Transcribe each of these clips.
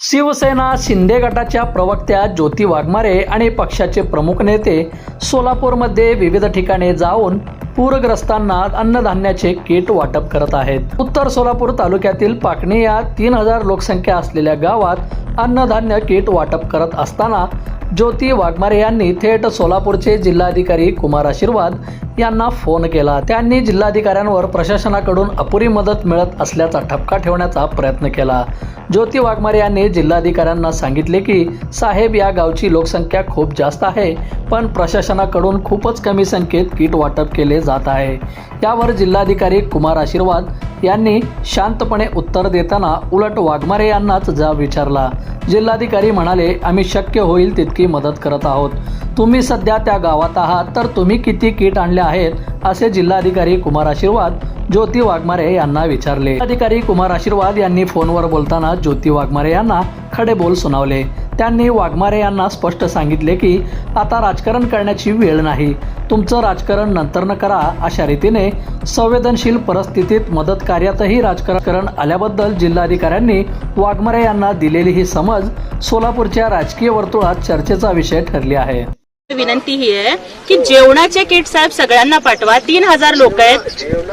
शिवसेना शिंदे गटाच्या प्रवक्त्या ज्योती वाघमारे आणि पक्षाचे प्रमुख नेते सोलापूरमध्ये विविध ठिकाणी जाऊन पूरग्रस्तांना अन्नधान्याचे किट वाटप करत आहेत। उत्तर सोलापूर तालुक्यातील पाकणी या 3000 लोकसंख्या असलेल्या गावात अन्नधान्य किट वाटप करत असताना ज्योती वाघमारे यांनी थेट सोलापूरचे जिल्हाधिकारी कुमार आशीर्वाद यांना फोन केला। त्यांनी जिल्हाधिकाऱ्यांवर प्रशासनाकडून अपुरी मदत मिळत असल्याचा ठपका ठेवण्याचा प्रयत्न केला। ज्योती वाघमारे यांनी जिल्हाधिकाऱ्यांना सांगितले की साहेब, या गावची लोकसंख्या खूप जास्त आहे, पण प्रशासनाकडून खूपच कमी संख्येत किट वाटप केले जात आहे। यावर जिल्हाधिकारी कुमार आशीर्वाद यांनी शांतपणे उत्तर देताना उलट वाघमारे यांनाच जाब विचारला। जिल्हाधिकारी म्हणाले, आम्ही शक्य होईल तितकी मदत करत आहोत। तुम्ही सध्या त्या गावात आहात, तर तुम्ही किती किट आणले आहेत, असे जिल्हाधिकारी कुमार आशीर्वाद ज्योती वाघमारे यांना विचारले। जिल्हाधिकारी कुमार आशीर्वाद यांनी फोनवर बोलताना ज्योती वाघमारे यांना खडे बोल सुनावले। त्यांनी वाघमारे यांना स्पष्ट सांगितले की आता राजकारण करण्याची वेळ नाही, तुमचं राजकारण नंतर करा। अशा रीतीने संवेदनशील परिस्थितीत मदत कार्यातही राजकारण आल्याबद्दल जिल्हाधिकाऱ्यांनी वाघमारे यांना दिलेली ही समज सोलापूरच्या राजकीय वर्तुळात चर्चेचा विषय ठरली आहे। विनंती ही आहे की जेवणाचे किट साहेब सगळ्यांना पाठवा। 3000 लोक आहेत,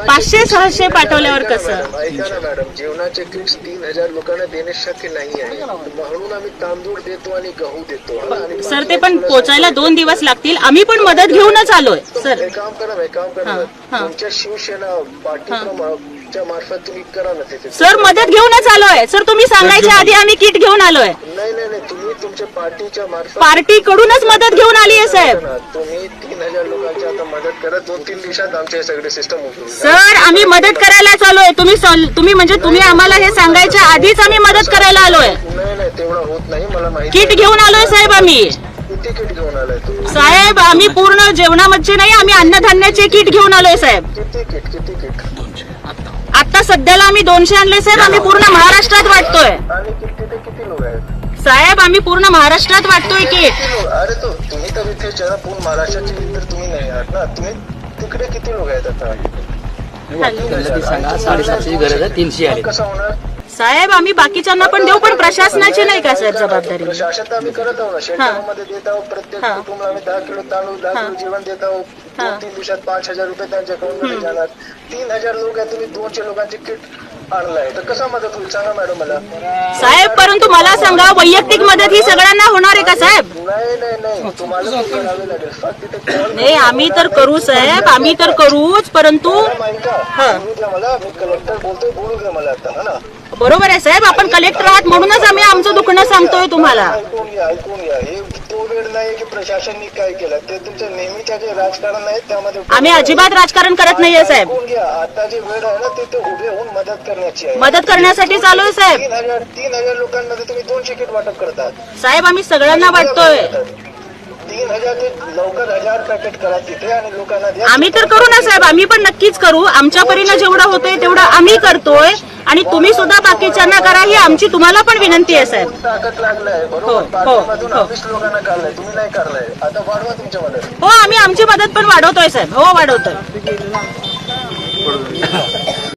500-600 पाठवल्यावर कसं? मॅडम, जेवणाचे किट्स 3000 लोकांना देणे शक्य नाही आहे, म्हणून आम्ही तांदूळ देतो आणि गहू देतो। सर, ते पण पोचायला 2 दिवस लागतील। आम्ही पण मदत घेऊनच आलोय सर। हे काम करा तुमच्या शिवसेना पार्टीच्या मार्फत तुम्ही करा ना ते। सर, मदत घेऊनच आलोय सर, तुम्ही सांगायच्या आधी आम्ही किट घेऊन आलोय। नाही, तुम्ही तुमच्या पार्टीच्या मार्फत, पार्टी कडूनच मदत घेऊन आली आहे साहेब। तुम्ही 3000 लोकांची आता मदत करा, 2-3 दिवसात आमचे सगळे सिस्टम होईल। सर, आम्ही मदत करायलाच आलोय। तुम्ही आम्हाला हे सांगायच्या आधीच आम्ही मदत करायला आलोय। नाही, तेवढं होत नाही, मला माहिती। किट घेऊन आलोय साहेब आम्ही। किती किट घेऊन आलाय तुम्ही? साहेब, आम्ही पूर्ण जेवणामध्ये नाही, आम्ही अन्नधान्याचे किट घेऊन आलोय साहेब। किती किट? आता सध्याला आम्ही 200 आणले साहेब। आम्ही पूर्ण महाराष्ट्रात वाटतोय। आणि किती लोक आहेत साहेब? आम्ही पूर्ण महाराष्ट्रात वाटतोय किट। अरे तुम्ही तर इथे जरा पूर्ण महाराष्ट्राची तर तुम्ही नाही आहात ना, तुम्ही तिकडे किती लोक आहेत आता? 750ची गरज आहे, 300 आले। कसं होणार साहेब? आम्ही बाकीच्यांना पण देऊ, पण प्रशासनाची नाही का साहेब जबाबदारी? प्रशासन आम्ही करत आहोत ना, शेतकऱ्यांमध्ये देत आहोत। प्रत्येक कुटुंबाला आम्ही 10 किलो तांदूळ, 10 किलो जेवण देत आहोत। 2-3 दिवसात 5000 रुपये त्यांच्या अकाउंटमध्ये जाणार। 3000 लोक आहेत, तुम्ही 200 लोकांचे किट आणलाय, तर कसा मदत होईल सांगा मॅडम मला। साहेब, परंतु मला सांगा, वैयक्तिक मदत ही सगळ्यांना होणार आहे का साहेब? नाही, तुम्हाला करावे लागेल। फक्त तिथे call नाही, आम्ही तर करू साहेब, आम्ही तर करूच, परंतु बोलू द्या मला, मी कलेक्टर बोलतोय, बोलू द्या मला आता, है ना? बरोबर आहे साहेब, आपण कलेक्टर आहात म्हणूनच आम्ही आमचं दुखणं सांगतोय तुम्हाला। ऐकून घ्या, हे तो वेळ नाही की प्रशासनाने काय केलं, ते तुमचं नेहमीच्या जे राजकारण आहे त्यामध्ये आम्ही अजिबात राजकारण करत नाहीये साहेब। ऐकून घ्या, आता जे वेळ आहे ना, ते उभे होऊन मदत करण्याची आहे। मदत करण्यासाठी चालू आहे साहेब। 3000 लोकांमध्ये तुम्ही 200 किट वाटप करतात साहेब, आम्ही सगळ्यांना वाटतोय। 3000 ते लवकर 1000 पॅकेट करा तिथे आणि लोकांना द्या। आम्ही तर करू ना साहेब, आम्ही पण नक्कीच करू। आमच्या परीने जेवढं होतंय तेवढं आम्ही करतोय, आणि तुम्ही सुद्धा बाकीच्यांना करा, ही आमची तुम्हाला पण विनंती आहे साहेब। ताकद लागलाय, बरोबर? पाठीमधून 20 लोकांना काढलाय, तुम्ही नाही काढलाय, आता वाढवा तुमच्या मदत। हो, आम्ही आमची मदत पण वाढवतोय साहेब। हो, वाढवतोय।